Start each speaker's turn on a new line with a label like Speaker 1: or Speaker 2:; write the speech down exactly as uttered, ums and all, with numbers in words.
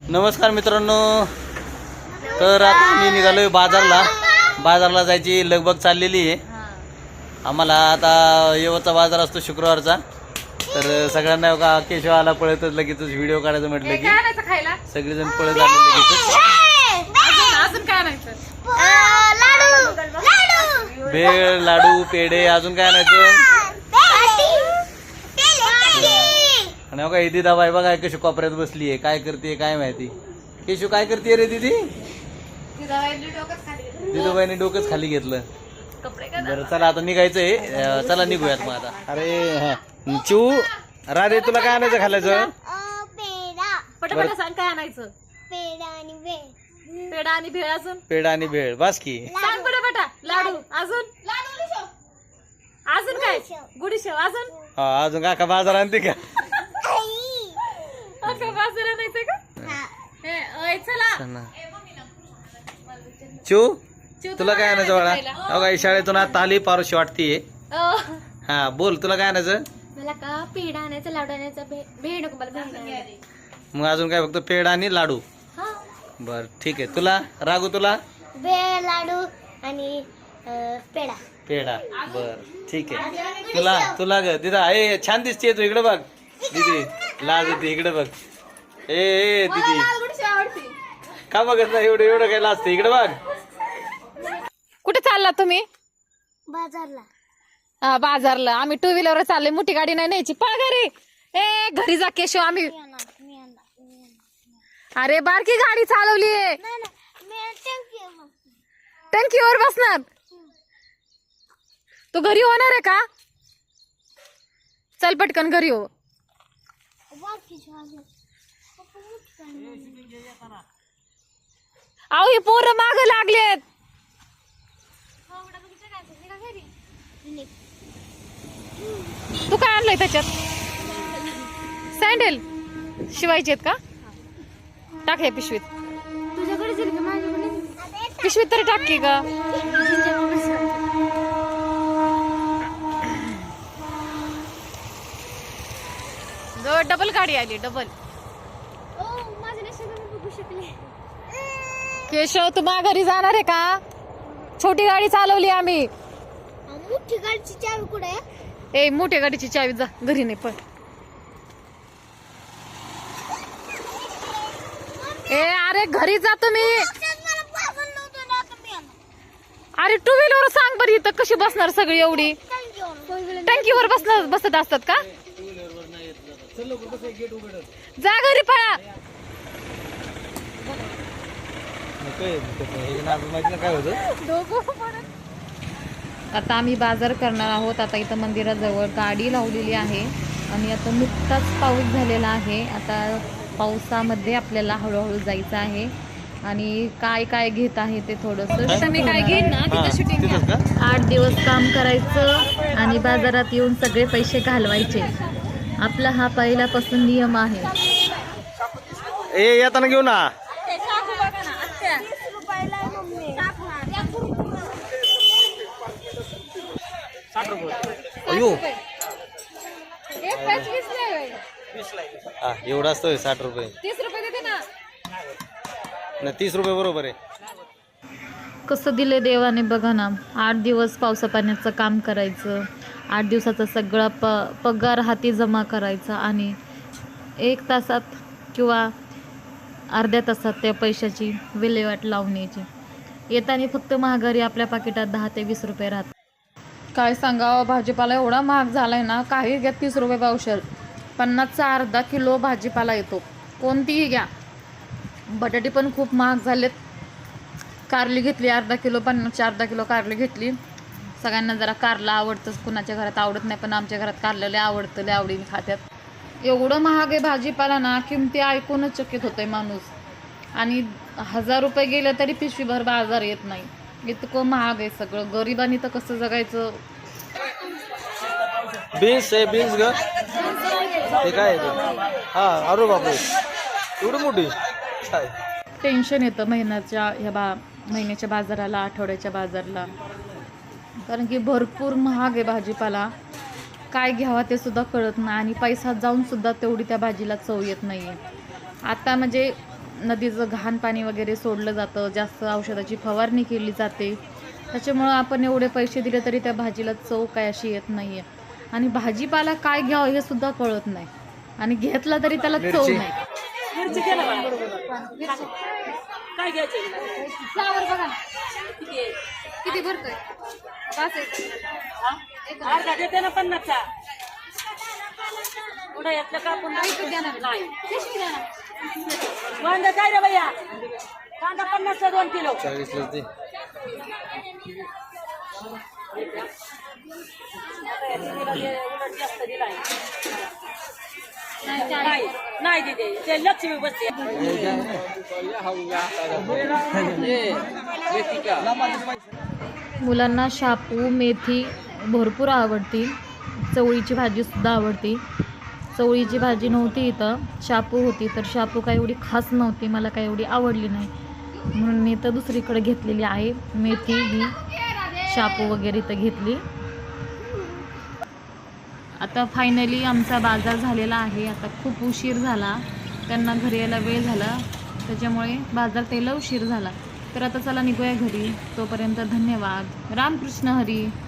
Speaker 1: नमस्कार मित्रांनो, तर आता मी निघालोय बाजारला. बाजारला जायची लगबग चाललेली आहे. आम्हाला आता येवचा बाजार असतो शुक्रवारचा, तर सगळ्यांना का केशव आला पळतच लगेच व्हिडिओ काढायचं म्हटलं की सगळेजण पळत आले लगेच. भेळ, लाडू, पेढे, अजून काय आणायचं. आणि बघा ही दिदा बाई बघा कशी कोपऱ्यात बसली आहे, काय करते काय माहिती. केशव काय करते रे दीदी? दिदूबाईने डोकंच खाली घेतलं. बरं चला आता निघायचंय, चला निघूयात मग आता. अरे हा चिऊ, राधे तुला काय आणायचं खायचं?
Speaker 2: पटापटा सांग काय आणायचं. पेढा आणि भेळ. पेढा आणि भेळ अजून
Speaker 1: पेढा आणि भेळ बास की.
Speaker 2: सांग पटापटा. लाडू अजून अजून काय? गुडीशेव अजून.
Speaker 1: हा अजून काका बाजार आणते का?
Speaker 2: अख्खा बाजार आणायचं का? हे ओय चला.
Speaker 1: चिऊ तुला काय आणायचं बाळा? हो काय शाळेतून आता आली पारोशी वाटतीये. हा बोल तुला काय आणायचं?
Speaker 2: मला का पेढा आणायचा, लाडू आणायचा. भेळ नको मला, भेळ.
Speaker 1: मग अजून काय फक्त पेढा आणि लाडू? बर ठीक आहे. तुला रागू तुला?
Speaker 2: भेळ, लाडू आणि पेढा.
Speaker 1: पेढा बर ठीक आहे. तुला तुला ग दिदा ए छान दिसते तू, इकडे बघ दीदी, लाज येते इकडे बघ. ए ए दीदी का बघत नाही एवढं एवढं काय लाजते, इकडे बघ.
Speaker 2: कुठे चालला तुम्ही? बाजारला. बाजारला. आम्ही टू व्हीलर चाललोय, मोठी गाडी नाही न्यायची. पा घरी. ए घरी जा केशव. आम्ही अरे बारकी गाडी चालवली. टंकीवर बसणार. तू घरी होणार आहे का? चल पटकन घरी हो. अहो ही पोरं माग लागलेत. तू काय आणलंय त्याच्यात? सँडल शिवायचे आहेत का? टाक हे पिशवीत. पिशवीत तरी टाक की का? डबल गाडी आली. डबल. केशव तू माघारी जाणार आहे का? छोटी गाडी चालवली आम्ही. मोठी गाडीची चावी कुठे? ए मोठ्या गाडीची चावी जा घरी नाही पण. ए अरे घरी जा तुम्ही. अरे टू व्हीलर सांग बरी, इथं कशी बसणार सगळी एवढी? टंकीवर बसणार बसत असतात का? जा घरी पळा. आता आम्ही बाजार करणार आहोत. आता इथं मंदिराजवळ गाडी लावलेली आहे आणि आता नुकताच पाऊस झालेला आहे. आता पावसामध्ये आपल्याला हळूहळू जायचं आहे आणि काय काय घेत आहे ते थोडंसं मी काय घेईन ना तिथं शूटिंग. आठ दिवस काम करायचं आणि बाजारात येऊन सगळे पैसे घालवायचे. आपला हा पहिल्यापासून नियम आहे.
Speaker 1: ए येताना घेऊ ना. अयो एवढा असतोय साठ रुपये.
Speaker 2: तीस रुपये देते ना.
Speaker 1: नाही तीस रुपये बरोबर आहे.
Speaker 2: कसं दिले देवाने बघा ना. आठ दिवस पावसा पाण्याचं काम करायचं, आठ दिवसाचा सगळा प पगार हाती जमा करायचा आणि एक तासात किंवा अर्ध्या तासात त्या पैशाची विल्हेवाट लावून यायची. येताना फक्त महागारी आपल्या पाकिटात दहा ते वीस रुपये राहतात. काय सांगावं, भाजीपाला एवढा महाग झालाय ना. काही घ्या तीस रुपये पावशेर. पन्नासचा अर्धा किलो भाजीपाला येतो, कोणतीही घ्या. बटाटे पण खूप महाग झालेत. कारली घेतली अर्धा किलो, पन्नासची अर्धा किलो कारली घेतली. सगळ्यांना जरा कारला आवडतंच, कुणाच्या घरात आवडत नाही, पण आमच्या घरात कारलेले आवडतं, लय आवडीने खात्यात. एवढं महाग आहे भाजीपाला ना, किमती ऐकूनच चकित होतंय माणूस. आणि हजार रुपये गेले तरी पिशवीभर बाजार येत नाही, इतकं महाग आहे सगळं. गरिबांनी तर कसं जगायचं.
Speaker 1: बीन्स आहे, बीन्स ग ते काय हा. अरे बापरे एवढी मोठी.
Speaker 2: टेन्शन येतं महिन्याच्या ह्या बा महिन्याच्या बाजाराला, आठवड्याच्या बाजारला, कारण की भरपूर महाग आहे भाजीपाला. काय घ्यावा ते सुद्धा कळत नाही आणि पैसा जाऊन सुद्धा तेवढी त्या भाजीला चव येत नाही आहे. आता म्हणजे नदीचं घाण पाणी वगैरे सोडलं जातं, जास्त औषधाची फवारणी केली जाते. त्याच्यामुळं आपण एवढे पैसे दिले तरी त्या भाजीला चव काय अशी येत नाही आहे. आणि भाजीपाला काय घ्यावं हे सुद्धा कळत नाही, आणि घेतला तरी त्याला चव
Speaker 1: मिरची.
Speaker 2: नाही.
Speaker 3: काय घ्यायचं
Speaker 2: फ्लावर बघा ना किती भरतोय.
Speaker 3: अर्धा देते ना पन्नासचा. पुढे येतलं का पुन्हा नाही. कांदा काय रे भैया? कांदा पन्नासचा दोन किलो.
Speaker 1: चाळीसलाच दे.
Speaker 3: उलट जास्त दिलाय. नाही नाही दिदे, ते लक्ष्मी बसते.
Speaker 2: मुलांना शापू मेथी भरपूर आवडती, चवळीची भाजीसुद्धा आवडती. चवळीची भाजी नव्हती इथं, शापू होती, तर शापू काय एवढी खास नव्हती, मला काय एवढी आवडली नाही, म्हणून मी तर दुसरीकडे घेतलेली आहे. मेथी ही शापू वगैरे इथं घेतली. आता फायनली आमचा बाजार झालेला आहे. आता खूप उशीर झाला, त्यांना घरी यायला वेळ झाला, त्याच्यामुळे बाजार त्याला उशीर झाला. तर आता चला निघूया घरी. तोपर्यंत धन्यवाद. रामकृष्ण हरी.